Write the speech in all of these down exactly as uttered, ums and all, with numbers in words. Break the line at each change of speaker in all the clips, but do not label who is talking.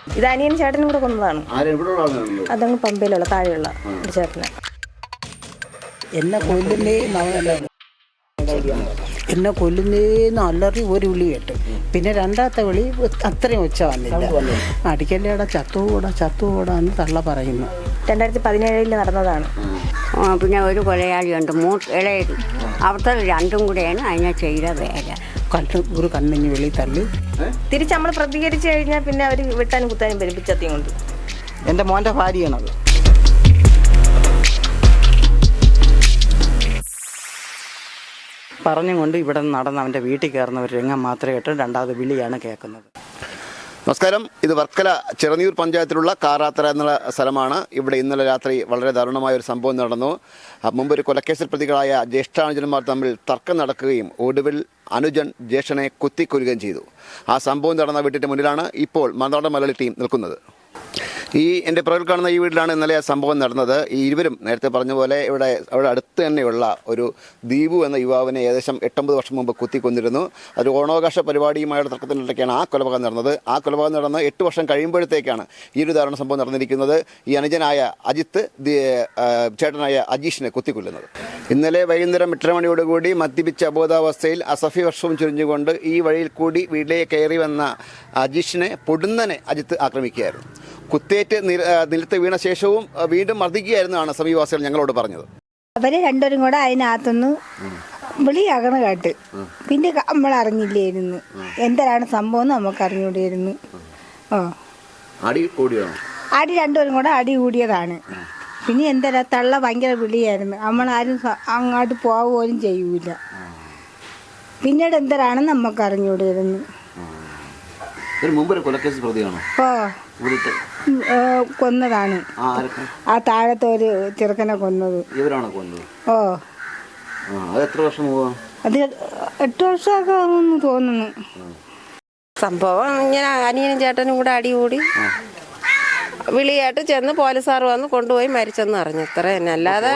ഇത് അനിയൻ ചേട്ടനും കൂടെ കൊന്നതാണ്. അതങ്ങ് പമ്പയിലുള്ള താഴെയുള്ള ചേട്ടന്.
എന്നെ കൊല്ലുന്നേ എന്നെ കൊല്ലുന്നേന്ന് അലറി ഒരു വിളി കേട്ട്. പിന്നെ രണ്ടാമത്തെ വിളി അത്രയും ഒച്ച വന്നില്ല. അടിക്കല്ലേടാ ചത്തുകൂടാ ചത്തുകൂടാ എന്ന് തള്ള പറയുന്നു.
രണ്ടായിരത്തി പതിനേഴിൽ നടന്നതാണ്.
പിന്നെ ഒരു കൊലയാളിയുണ്ട് മൂ ഇളയത്. അവിടുത്തെ രണ്ടും കൂടെയാണ് അതിനെ ചെയ്ത വേല.
കണ്ണ് ഒരു കണ്ണിഞ്ഞ് വെളി തള്ളി
തിരിച്ച് നമ്മൾ പ്രതികരിച്ചു കഴിഞ്ഞാൽ പിന്നെ അവർ വെട്ടാനും കുത്താനും വരും പിച്ചത്തിയും കൊണ്ട്.
എൻ്റെ മോൻ്റെ ഭാര്യയാണത്. പറഞ്ഞും കൊണ്ട് ഇവിടെ നടന്ന് അവൻ്റെ വീട്ടിൽ കയറുന്ന ഒരു രംഗം മാത്രമേ കേട്ട് രണ്ടാമത് വിളിയാണ് കേൾക്കുന്നത്.
നമസ്കാരം. ഇത് വർക്കല ചിറനിയൂർ പഞ്ചായത്തിലുള്ള കാറാത്തറ എന്നുള്ള സ്ഥലമാണ്. ഇവിടെ ഇന്നലെ രാത്രി വളരെ ദാരുണമായ ഒരു സംഭവം നടന്നു. മുമ്പ് ഒരു കൊലക്കേസിൽ പ്രതികളായ ജ്യേഷ്ഠാനുജന്മാർ തമ്മിൽ തർക്കം നടക്കുകയും ഒടുവിൽ അനുജൻ ജ്യേഷ്ഠനെ കുത്തിക്കൊല്ലുകയും ചെയ്തു. ആ സംഭവം നടന്ന വീട്ടിൻ്റെ മുന്നിലാണ് ഇപ്പോൾ മറുനാടൻ മലയാളി ടീം നിൽക്കുന്നത്. ഈ എൻ്റെ പുറകിൽ കാണുന്ന ഈ വീട്ടിലാണ് ഇന്നലെ ആ സംഭവം നടന്നത്. ഈ ഇരുവരും നേരത്തെ പറഞ്ഞ പോലെ ഇവിടെ അവിടെ അടുത്ത് തന്നെയുള്ള ഒരു ദീപു എന്ന യുവാവിനെ ഏകദേശം എട്ടൊമ്പത് വർഷം മുമ്പ് കുത്തിക്കൊന്നിരുന്നു. ഒരു ഓണാവകാശ പരിപാടിയുമായുള്ള തർക്കത്തിനിടയ്ക്കാണ് ആ കൊലപാതകം നടന്നത്. ആ കൊലപാതകം നടന്ന് എട്ട് വർഷം കഴിയുമ്പോഴത്തേക്കാണ് ഈ ഒരു ദാരുണ സംഭവം നടന്നിരിക്കുന്നത്. ഈ അനുജനായ അജിത്ത് ചേട്ടനായ അജീഷിനെ കുത്തിക്കൊല്ലുന്നത്. ഇന്നലെ വൈകുന്നേരം എട്ടര മണിയോടുകൂടി മദ്യപിച്ച അബോധാവസ്ഥയിൽ അസഫി വർഷവും ചുരിഞ്ഞുകൊണ്ട് ഈ വഴിയിൽ കൂടി വീട്ടിലേക്ക് കയറി വന്ന അജീഷിനെ പൊടുന്നനെ അജിത്ത് ആക്രമിക്കുകയായിരുന്നു. കുത്തേറ്റ് നിലത്ത് വീണ ശേഷവും വീണ്ടും മർദ്ദിക്കുകയായിരുന്നാണ് സമീപവാസികൾ ഞങ്ങളോട് പറഞ്ഞത്.
അവര് രണ്ടുപേരും കൂടെ അതിനകത്തുനിന്ന് വിളിയാകണ കേട്ട് പിന്നെ നമ്മൾ അറിഞ്ഞില്ലായിരുന്നു എന്താണ് സംഭവം നമുക്ക് അറിഞ്ഞൂടായിരുന്നു. ഓ
അടി കൂടിയാണ്
അടി രണ്ടുപേരും കൂടെ അടി കൂടിയതാണ്. പിന്നെ എന്തരാ തള്ള ഭയങ്കര വിളിയായിരുന്നു. നമ്മളാരും അങ്ങോട്ട് പോവുകയും ചെയ്യൂല. പിന്നീട് എന്തരാണെന്ന് നമുക്ക് അറിഞ്ഞൂടായിരുന്നു. ഓ കൊന്നതാണ്. ആ താഴത്തെ ഒരു ചെറുക്കനെ കൊന്നത്. ഓ അത് എട്ട് വർഷമൊക്കെ ആകുമെന്ന് തോന്നുന്നു.
സംഭവം ഇങ്ങനെ അനിയനും ചേട്ടനും കൂടെ അടികൂടി വിളിയായിട്ട് ചെന്ന് പോലീസുകാർ വന്ന് കൊണ്ടുപോയി മരിച്ചെന്ന് അറിഞ്ഞു. ഇത്ര തന്നെ. അല്ലാതെ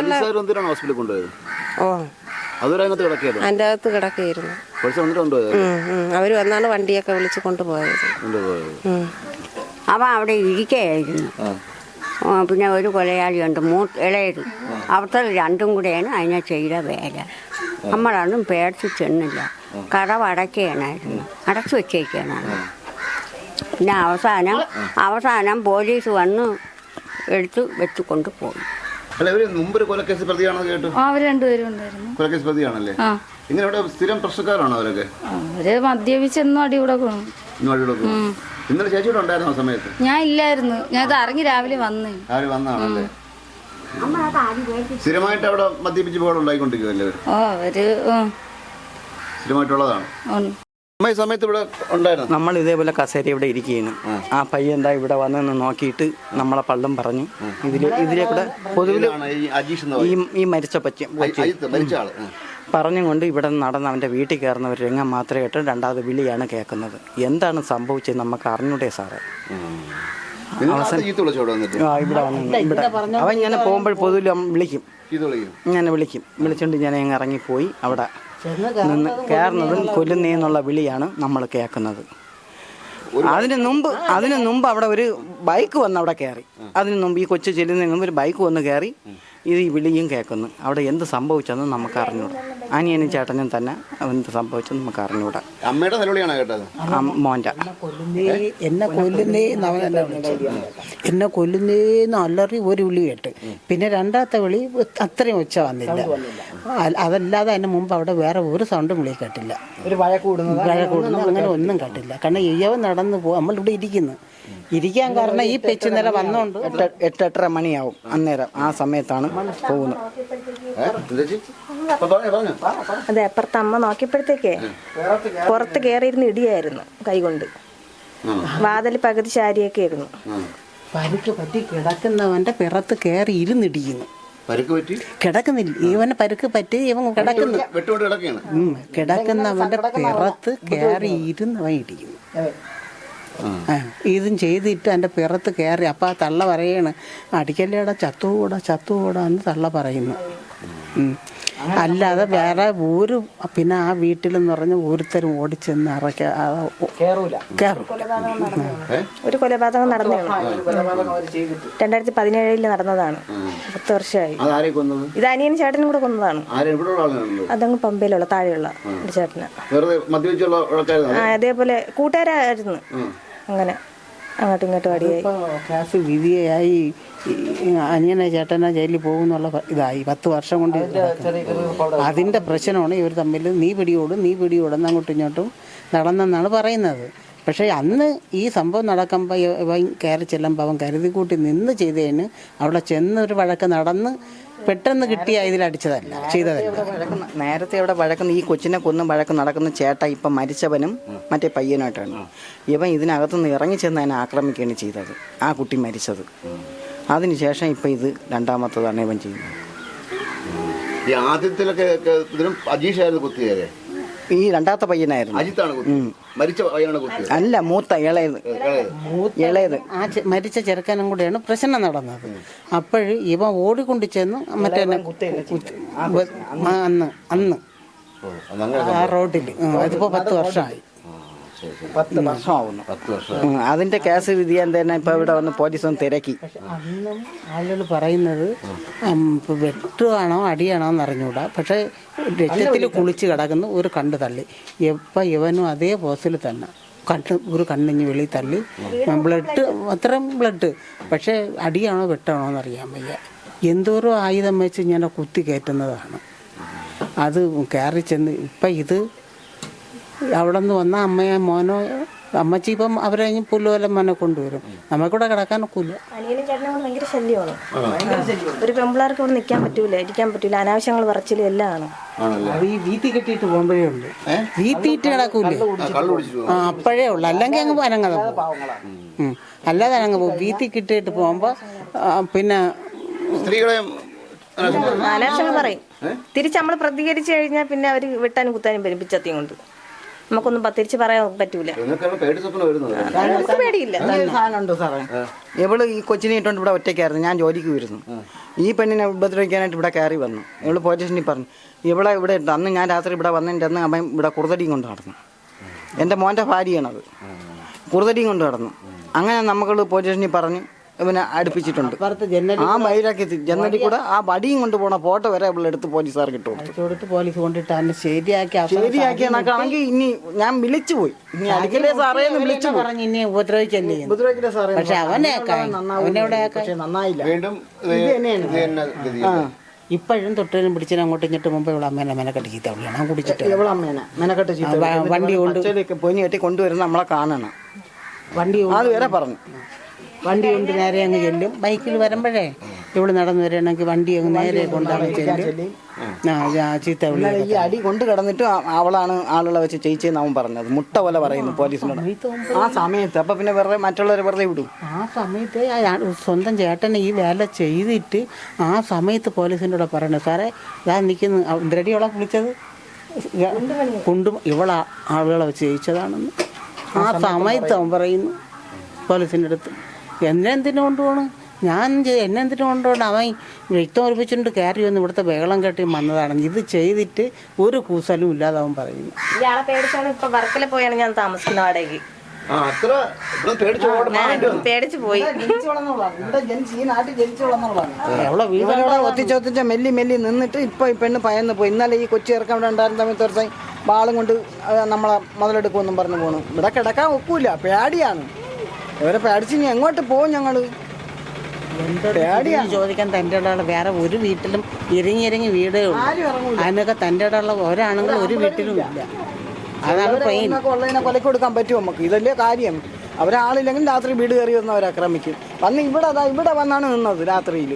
ഓ അതിൻ്റെ അകത്ത് കിടക്കുകയായിരുന്നു. അവര് വന്നാണ് വണ്ടിയൊക്കെ വിളിച്ച് കൊണ്ടുപോയത്.
അവൻ അവിടെ ഇരിക്കുകയായിരുന്നു. പിന്നെ ഒരു കൊലയാളിയുണ്ട് മൂ ഇളയത്. അവിടുത്തെ രണ്ടും കൂടെയാണ് അതിനെ ചെയ്ത വേല. നമ്മളൊന്നും പേടിച്ച് ചെന്നില്ല. കടവ് അടയ്ക്കുകയാണായിരുന്നു. അടച്ചു വെച്ചേക്കാനാണ്. പിന്നെ അവസാനം അവസാനം പോലീസ് വന്ന് എടുത്ത് വെച്ച് കൊണ്ടുപോയി.
അവർ
രണ്ടുപേരും ഉണ്ടായിരുന്നു.
സ്ഥിരം പ്രശ്നക്കാരാണോ അവരൊക്കെ?
അവര് മദ്യപിച്ചെന്നും അടി കൂടെ കൊണ്ടു.
ഇന്നലെ ചേച്ചിയോട് ഉണ്ടായിരുന്ന സമയത്ത്
ഞാൻ ഇല്ലായിരുന്നു. ഞാൻ ഇത് അറിഞ്ഞ് രാവിലെ വന്നേ.
രാവിലെ വന്നാണല്ലേ? സ്ഥിരമായിട്ട് അവിടെ മദ്യപിച്ച് പോകാൻ ഉണ്ടായിക്കൊണ്ടിരിക്കുമല്ലേ?
ഓ അവര്
സ്ഥിരമായിട്ടുള്ളതാണ്. സമയത്ത് ഇവിടെ ഉണ്ടായിരുന്നു.
നമ്മൾ ഇതേപോലെ കസേര ഇവിടെ ഇരിക്കുകയാണ്. ആ പയ്യൻ എന്താ ഇവിടെ വന്നെന്ന് നോക്കിയിട്ട് നമ്മളെ പള്ളും പറഞ്ഞു. ഇതില് ഇതിലെ കൂടെ പൊതുവില് ഈ ഈ മരിച്ച പച്ച പറഞ്ഞും കൊണ്ട് ഇവിടെ നടന്ന് അവൻ്റെ വീട്ടിൽ കയറുന്ന ഒരു രംഗം മാത്രമേ കേട്ട് രണ്ടാമത് വിളിയാണ് കേൾക്കുന്നത്. എന്താണ് സംഭവിച്ചത് നമുക്ക് അറിഞ്ഞൂടെ സാറേ? അവസാനം ഇവിടെ വന്നു ഇവിടെ അവൻ ഇങ്ങനെ പോകുമ്പോൾ പൊതുവിൽ വിളിക്കും, ഇങ്ങനെ വിളിക്കും. വിളിച്ചുകൊണ്ട് ഞാൻ അങ്ങ് ഇറങ്ങിപ്പോയി. അവിടെ നിന്ന് കയറുന്നതും കൊല്ലുന്നേന്നുള്ള വിളിയാണ് നമ്മൾ കേൾക്കുന്നത്. അതിന് മുമ്പ് അതിന് മുമ്പ് അവിടെ ഒരു ബൈക്ക് വന്ന് അവിടെ കയറി. അതിന് മുമ്പ് ഈ കൊച്ചു ചെല്ലുന്നതിന് മുമ്പ് ഒരു ബൈക്ക് വന്ന് കയറി ഇത് ഈ വിളിയും കേൾക്കുന്നു. അവിടെ എന്ത് സംഭവിച്ചെന്ന് നമുക്ക് അറിഞ്ഞൂടാ. അനിയനും ചേട്ടനും തന്നെ എന്ത് സംഭവിച്ചെന്ന് നമുക്ക് അറിഞ്ഞൂടാ.
അമ്മയുടെ നിലവിളിയാണ് കേട്ടത്.
മോൻ്റെ
എന്നെ കൊല്ലുന്നേ എന്നെ കൊല്ലുന്നേന്ന് അലറി ഒരു വിളി കേട്ട്. പിന്നെ രണ്ടാമത്തെ വിളി അത്രയും ഒച്ച വന്നില്ല. അതല്ലാതെ അതിന് മുമ്പ് അവിടെ വേറെ ഒരു സൗണ്ടും വിളി കേട്ടില്ല.
ഒരു വഴ കൂടുന്നത്
വഴ കൂടുന്നത് അങ്ങനെ ഒന്നും കേട്ടില്ല. കാരണം ഇയവൻ നടന്നു പോകും. നമ്മളിവിടെ ഇരിക്കുന്നു. ഇരിക്കാൻ കാരണം ഈ പെച്ച് നില വന്നോണ്ട്
എട്ട് എട്ടര മണിയാവും അന്നേരം. ആ സമയത്താണ് പോകുന്നത്.
അതെ, അപ്പുറത്ത് അമ്മ നോക്കിയപ്പോഴത്തേക്കേ പുറത്ത് കയറിയിരുന്ന് ഇടിയായിരുന്നു കൈകൊണ്ട്. വാതിൽ പകുതി ശാരിയൊക്കെ ആയിരുന്നു.
പരുക്ക് പറ്റി കിടക്കുന്നവന്റെ പിറത്ത് കയറി ഇരുന്നിടിക്കുന്നു. കിടക്കുന്നില്ല, ഇവനെ പരുക്ക് പറ്റി ഇവൻ കിടക്കുന്നു. കിടക്കുന്നവന്റെ പിറത്ത് കയറി ഇരുന്നവൻ ഇടിക്കുന്നു. ഇതും ചെയ്തിട്ട് എൻ്റെ പിറത്ത് കയറി. അപ്പം ആ തള്ള പറയാണ് അടിക്കല്ലേടാ ചത്തുകൂടാ ചത്തുകൂടാ എന്ന് തള്ള പറയുന്നു. ഉം. അല്ലാതെ വേറെ ഒരു പിന്നെ ആ വീട്ടിലെന്ന് പറഞ്ഞ ഓരോരുത്തരും ഓടിച്ചെന്ന് ഇറക്ക
കേറൂല
കയറും.
ഒരു കൊലപാതകം നടന്നേ രണ്ടായിരത്തി പതിനേഴിൽ നടന്നതാണ്. പത്ത് വർഷമായി.
അതാരെ കൊന്നത്?
ഇത് അനിയൻ ചേട്ടനും കൂടെ കൊന്നതാണ്.
ആരെ എവിടെയുള്ള ആളാണ്?
അതങ്ങ് പമ്പയിലുള്ള താഴെയുള്ള ഒരു ചേട്ടന്.
വെറുതെ മദ്യപിച്ചുള്ള ആൾക്കാരാണ്.
ആ അതേപോലെ കൂട്ടുകാരായിരുന്നു. അങ്ങനെ അങ്ങോട്ടും ഇങ്ങോട്ടും അടിയായി.
കേസ് വിധിയായി അനിയനെ ചേട്ടനെ ജയിലിൽ പോകുന്നുള്ള ഇതായി പത്ത് വർഷം കൊണ്ട് അതിൻ്റെ പ്രശ്നമാണ് ഇവർ തമ്മിൽ. നീ പിടിയോടും നീ പിടിയോടും അങ്ങോട്ടും ഇങ്ങോട്ടും നടന്നെന്നാണ് പറയുന്നത്. പക്ഷേ അന്ന് ഈ സംഭവം നടക്കുമ്പോൾ ഇവൻ കയറി ചെല്ലുമ്പോൾ അവൻ കരുതി കൂട്ടി നിന്ന് ചെയ്തതിന് അവിടെ ചെന്നൊരു വഴക്ക് നടന്ന് പെട്ടെന്ന് കിട്ടിയ ഇതിലടിച്ചതല്ല ചെയ്തതല്ല.
നേരത്തെ ഇവിടെ വഴക്കുന്ന ഈ കൊച്ചിനെ കൊന്നും വഴക്ക് നടക്കുന്ന ചേട്ട ഇപ്പം മരിച്ചവനും മറ്റേ പയ്യനായിട്ടാണ്. ഇവൻ ഇതിനകത്തുനിന്ന് ഇറങ്ങി ചെന്ന് അതിനെ ആക്രമിക്കുകയാണ് ചെയ്തത്, ആ കുട്ടി മരിച്ചത്. അതിനുശേഷം ഇപ്പം ഇത് രണ്ടാമത്തതാണ് ഇവൻ ചെയ്യുന്നത്.
ഈ ആദ്യത്തിലൊക്കെ ഇതിനും അജീഷായിരുന്നു കുത്തിയത്.
ഈ രണ്ടാമത്തെ പയ്യനായിരുന്നു.
അജിത്താണ് കുത്തിയത്. മരിച്ച പയ്യനാണ് കുത്തിയത്.
അല്ല, മൂത്ത ഇളയത് ഇളയത്
ആ മരിച്ച ചെറുക്കനും കൂടെയാണ് പ്രശ്നം നടന്നത്. അപ്പോഴ് ഇവ ഓടിക്കൊണ്ട് ചെന്ന് മറ്റേ അന്ന് അന്ന് ആ റോഡിൽ അതിപ്പോ പത്ത് വർഷമായി.
പത്ത് വർഷമാവുന്നു. അതിന്റെ കേസ് വിധിയാൻ തന്നെ ഇപ്പൊ ഇവിടെ വന്ന് പോലീസ് ഒന്ന് തിരക്കി.
അന്നും ആളുകൾ പറയുന്നത് വെട്ടുകയാണോ അടിയാണോ എന്ന് അറിഞ്ഞൂടാ. പക്ഷെ രക്തത്തിൽ കുളിച്ച് കിടക്കുന്ന ഒരു കണ്ണ് തള്ളി. എപ്പോൾ ഇവനും അതേ പോസിൽ തന്നെ കണ്ണ് ഒരു കണ്ണിഞ്ഞ് വെളി തള്ളി ബ്ലഡ് അത്രയും ബ്ലഡ്. പക്ഷേ അടിയാണോ വെട്ടാണോ എന്നറിയാൻ വയ്യ. എന്തോരോ ആയുധം വെച്ച് ഇങ്ങനെ കുത്തി കയറ്റുന്നതാണ്. അത് കയറി ചെന്ന് ഇപ്പം ഇത് അവിടെ നിന്ന് വന്ന അമ്മയോ മോനോ അമ്മച്ചി ഇപ്പം അവരെ പുല്ലുപോലെ മോനെ കൊണ്ടുവരും. നമുക്കിവിടെ കിടക്കാൻ ഒക്കില്ല.
അനിയനും ചേട്ടനും കൂടെ ഭയങ്കര ശല്യമാണ്. ഒരു പെമ്പിളാർക്ക് ഇവിടെ നിൽക്കാൻ പറ്റൂല, ഇരിക്കാൻ പറ്റൂല. അനാവശ്യങ്ങൾ പറച്ചിലും എല്ലാം ആണ്.
അത് ഈ വീത്തി കെട്ടിയിട്ട് പോകുമ്പോഴേ ഉണ്ട്. വീത്തിയിട്ട് കിടക്കൂലേ ആ അപ്പോഴേ ഉള്ളു. അല്ലെങ്കിൽ അങ്ങ് അനങ്ങത പോകും. അല്ലാതെ അനങ്ങ് പോകും. വീത്തി കിട്ടിയിട്ട് പോകുമ്പോൾ പിന്നെ
സ്ത്രീകളെ
അനാവശ്യങ്ങൾ പറയും. തിരിച്ച് നമ്മൾ പ്രതികരിച്ചു കഴിഞ്ഞാൽ പിന്നെ അവർ വെട്ടാനും കുത്താനും വരും പിച്ചത്തിയും കൊണ്ട്. നമുക്കൊന്നും തിരിച്ച് പറയാൻ പറ്റൂല. നമുക്ക് പേടിയില്ല.
സാധനമുണ്ട് സാറേ. ഇവള് ഈ കൊച്ചിനെ ഇട്ടുകൊണ്ട് ഇവിടെ ഒറ്റയ്ക്കായിരുന്നു. ഞാൻ ജോലിക്ക് വരുന്നു. ഈ പെണ്ണിനെ ഉപദ്രവിക്കാനായിട്ട് ഇവിടെ കയറി വന്നു. ഇവള് പോലീസ് സ്റ്റേഷനിൽ പറഞ്ഞു ഇവളെ ഇവിടെ ഇട്ട് അന്ന് ഞാൻ രാത്രി ഇവിടെ വന്നതിൻ്റെ അന്ന് അവൻ ഇവിടെ കുറുതടിയും കൊണ്ട് നടന്നു. എൻ്റെ മോൻ്റെ ഭാര്യയാണത്. കുറുതടിയും കൊണ്ട് നടന്നു. അങ്ങനെ നമുക്ക് പോലീസ് സ്റ്റേഷനിൽ പറഞ്ഞ് ഇവനെ അടുപ്പിച്ചിട്ടുണ്ട്. ആ മൈലാക്കി ജനലിൽ കൂടെ ആ വടിയും കൊണ്ട് പോണ ഫോട്ടോ വരെ ഇവിടെ എടുത്ത് പോലീസുകാർക്ക് ഇട്ടു കൊടുത്തു.
പോലീസ് കൊണ്ടിട്ട് ശരിയാക്കി
ശരിയാക്കിയാണെങ്കിൽ ഇനി ഞാൻ വിളിച്ചു പോയി ഇനി അടിക്കലേ സാറേ എന്ന് വിളിച്ചു
പറഞ്ഞു. ഇനി ഉപദ്രവിക്കല്ലേ
ഉപദ്രവിക്കലേ സാറേ.
പക്ഷെ അവനെ
പക്ഷെ നന്നായില്ല.
ഇപ്പോഴും തൊട്ടതിനും പിടിച്ചതിനും അങ്ങോട്ടും ഇങ്ങോട്ടും മുമ്പ് ഇവിടെ അമ്മേനെ മെനക്കെട്ട് ചീത്ത വിളിയാണ് കുടിച്ചിട്ട്.
എവിടെ അമ്മേനെ മെനക്കെട്ട് ചീത്ത
വണ്ടി കൊണ്ട്
പൊനി കെട്ടി കൊണ്ടുവരുന്ന നമ്മളെ കാണണം.
വണ്ടി
അത് വരെ പറഞ്ഞു.
വണ്ടി കൊണ്ട് നേരെ അങ്ങ് ചെല്ലും. ബൈക്കിൽ വരുമ്പോഴേ ഇവിടെ നടന്നു വരികയാണെങ്കിൽ വണ്ടി അങ്ങ് നേരെ കൊണ്ടാകും ചെല്ലും. ചീത്ത വിളി.
ഈ അടി കൊണ്ട് കിടന്നിട്ട് അവളാണ് ആളുകളെ വെച്ച് ചെയ്യിച്ചെന്ന് അവൻ പറഞ്ഞത്. മുട്ട പോലെ പറയുന്നു പോലീസിനോട് ആ സമയത്ത്. അപ്പൊ പിന്നെ വെറുതെ മറ്റുള്ളവരെ വെറുതെ വിടും.
ആ സമയത്ത് സ്വന്തം ചേട്ടനെ ഈ വേല ചെയ്തിട്ട് ആ സമയത്ത് പോലീസിൻ്റെ കൂടെ പറയണേ സാറേ ഇതാ നിൽക്കുന്നു. ഇന്ദ്രടി അവളെ വിളിച്ചത് കൊണ്ടും ഇവളെ ആളുകളെ വെച്ച് ജയിച്ചതാണെന്ന് ആ സമയത്ത് അവൻ പറയുന്നു പോലീസിൻ്റെ അടുത്ത്. എന്നെ എന്തിനു കൊണ്ടുപോകണം ഞാൻ എന്നെ എന്തിനു കൊണ്ടുപോകണം. അവൻ രക്തം ഒലിപ്പിച്ചിട്ട് കയറി വന്ന് ഇവിടുത്തെ ബഹളം കെട്ടി വന്നതാണ്. ഇത് ചെയ്തിട്ട് ഒരു കൂസലും ഇല്ലാതെ അവൻ പറയുന്നു.
ഇയാളെ പേടിച്ചാണ് ഇപ്പൊ വർക്കല പോയാണ് ഞാൻ താമസിക്കുന്ന വാടകയ്ക്ക്. പേടിച്ചു പോയി.
ഒത്തിച്ചൊത്തിച്ച മെല്ലി മെല്ലി നിന്നിട്ട് ഇപ്പൊ ഈ പെണ്ണ് പയന്ന് പോയി. ഇന്നലെ ഈ കൊച്ചി ഇറക്കാൻ ഇവിടെ ഉണ്ടായിരുന്ന സമയത്ത് ദിവസം ബാളും കൊണ്ട് നമ്മളെ മുതലെടുക്കുമെന്നും പറഞ്ഞു പോണു. ഇവിടെ കിടക്കാൻ ഒക്കൂല, പേടിയാണ്. ഇവരെ പേടിച്ച് ഇനി എങ്ങോട്ട് പോകും ഞങ്ങള്?
പേടിയാണ് ചോദിക്കാൻ. തൻ്റെ ഇടമുള്ള വേറെ ഒരു വീട്ടിലും ഇറങ്ങി ഇറങ്ങി വീടേ ഉള്ളൂ. അതിനൊക്കെ തൻ്റെ ഇടമുള്ള ഒരാണെങ്കിലും ഒരു വീട്ടിലും ഇല്ല. അതാണ് ട്രെയിൻ
ഉള്ളതിനെ കൊലക്ക് കൊടുക്കാൻ പറ്റുമോ നമുക്ക്? ഇതല്ലേ കാര്യം. അവരാളില്ലെങ്കിൽ രാത്രി വീട് കയറി വന്ന് അവർ ആക്രമിക്കും. വന്ന് ഇവിടെ അതാ ഇവിടെ വന്നാണ് നിന്നത് രാത്രിയിൽ.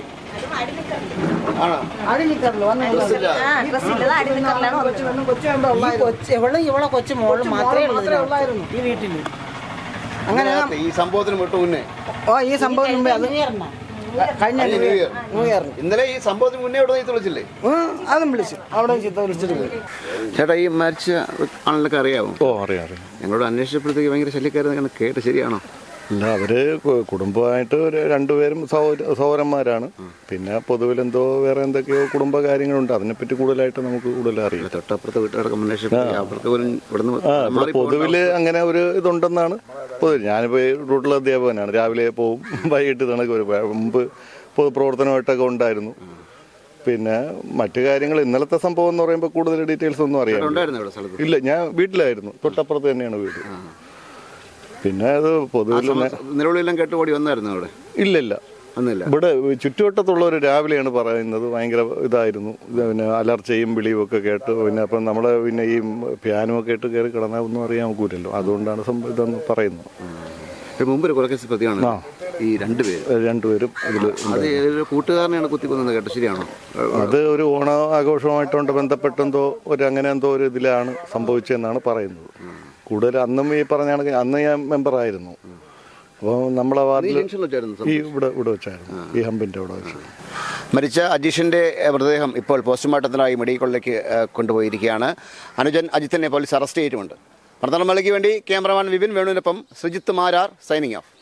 ഇവളെ കൊച്ചു മോള് മാത്രമേ ഉള്ളായിരുന്നു ഈ വീട്ടിൽ.
അങ്ങനെ ഈ സംഭവത്തിന് വിട്ടു മുന്നേ
ഓ ഈ സംഭവത്തിന് മുമ്പേ അത് കഴിഞ്ഞ ന്യൂ ഇയർ ന്യൂ ഇയർ
ഇന്നലെ ഈ സംഭവത്തിന് മുന്നേ ഇവിടെ നീ വിളിച്ചില്ലേ?
അതും വിളിച്ചു. അവിടെ ചീത്ത വിളിച്ചിട്ട് പോയി.
ചേട്ടാ ഈ മരിച്ച ആളിനൊക്കെ അറിയാമോ?
ഓ അറിയാം അറിയാം.
ഞങ്ങളോട് അന്വേഷിച്ചപ്പോഴത്തേക്ക് ഭയങ്കര ശല്യക്കാരെന്ന് കേട്ട് ശരിയാണോ?
ഇല്ല, അവര് കു- കുടുംബമായിട്ട് ഒരു രണ്ടുപേരും സഹോദര സഹോദരന്മാരാണ്. പിന്നെ പൊതുവിൽ എന്തോ വേറെ എന്തൊക്കെയോ കുടുംബ കാര്യങ്ങളുണ്ട്. അതിനെപ്പറ്റി കൂടുതലായിട്ട് നമുക്ക് കൂടുതൽ അറിയാം.
തൊട്ടപ്പുറത്തെ വീട്ടുകാരുടെ കമ്മ്യൂണിക്കേഷൻ അവർക്ക് പോലും ഇവിടുന്ന്
ആ ഇവിടെ പൊതുവില് അങ്ങനെ ഒരു ഇതുണ്ടെന്നാണ് പൊതുവിൽ. ഞാനിപ്പോൾ ഈ റൂട്ടിലെ അധ്യാപകനാണ്. രാവിലെ പോവും, വൈകിട്ട് തണക്ക് വരും. മുമ്പ് പൊതുപ്രവർത്തനമായിട്ടൊക്കെ ഉണ്ടായിരുന്നു. പിന്നെ മറ്റു കാര്യങ്ങൾ ഇന്നലത്തെ സംഭവം എന്ന് പറയുമ്പോൾ കൂടുതൽ ഡീറ്റെയിൽസ് ഒന്നും അറിയാം. ഇല്ല, ഞാൻ വീട്ടിലായിരുന്നു. തൊട്ടപ്പുറത്ത് തന്നെയാണ് വീട്. പിന്നെ അത് പൊതുവിൽ
നിലവിലെല്ലാം കേട്ട് ഓടി വന്നായിരുന്നു അവിടെ?
ഇല്ല ഇല്ല
ഒന്നുമില്ല.
ഇവിടെ ചുറ്റുവട്ടത്തുള്ളവർ രാവിലെയാണ് പറയുന്നത് ഭയങ്കര ഇതായിരുന്നു. പിന്നെ അലർച്ചയും വിളിയും ഒക്കെ കേട്ട് പിന്നെ അപ്പം നമ്മൾ പിന്നെ ഈ പിയാനോ ഒക്കെ ഇട്ട് കയറി കിടന്നാൽ ഒന്നും അറിയാൻ നോക്കൂലല്ലോ. അതുകൊണ്ടാണ് സംഭവം ഇതെന്ന് പറയുന്നത്.
മുമ്പ് ഒരു കൊലക്കേസ് പ്രതിയാണ് ഈ രണ്ടുപേരും
രണ്ടുപേരും ഇതിൽ.
അത് ഒരു കൂട്ടുകാരനെയാണ് കുത്തിക്കൊന്നത് കേട്ടോ, ശരിയാണോ?
അത് ഒരു ഓണ ആഘോഷമായിട്ടുണ്ട് ബന്ധപ്പെട്ടെന്തോ ഒരു അങ്ങനെ എന്തോ ഒരു ഇതിലാണ് സംഭവിച്ചതെന്നാണ് പറയുന്നത്. കൂടുതൽ അന്നും ഈ പറഞ്ഞ കണക്ക് അന്ന് ഞാൻ മെമ്പറായിരുന്നു. അപ്പോൾ നമ്മളെ വാർഡിൽ ഈ ഇവിടെ ഇവിടെ വെച്ചായിരുന്നു, ഈ ഹമ്പിൻ്റെ അവിടെ വെച്ച്.
മരിച്ച അജീഷിന്റെ മൃതദേഹം ഇപ്പോൾ പോസ്റ്റ്മോർട്ടത്തിനായി മെഡിക്കൽ കോളേജിലേക്ക് കൊണ്ടുപോയിരിക്കുകയാണ്. അനുജൻ അജിത്തിനെ പോലീസ് അറസ്റ്റ് ചെയ്തിട്ടുമുണ്ട്. മലയാളിക്ക് വേണ്ടി ക്യാമറമാൻ വിപിൻ വേണുവിനൊപ്പം സുജിത്ത് മാരാർ സൈനിങ് ഓഫ്.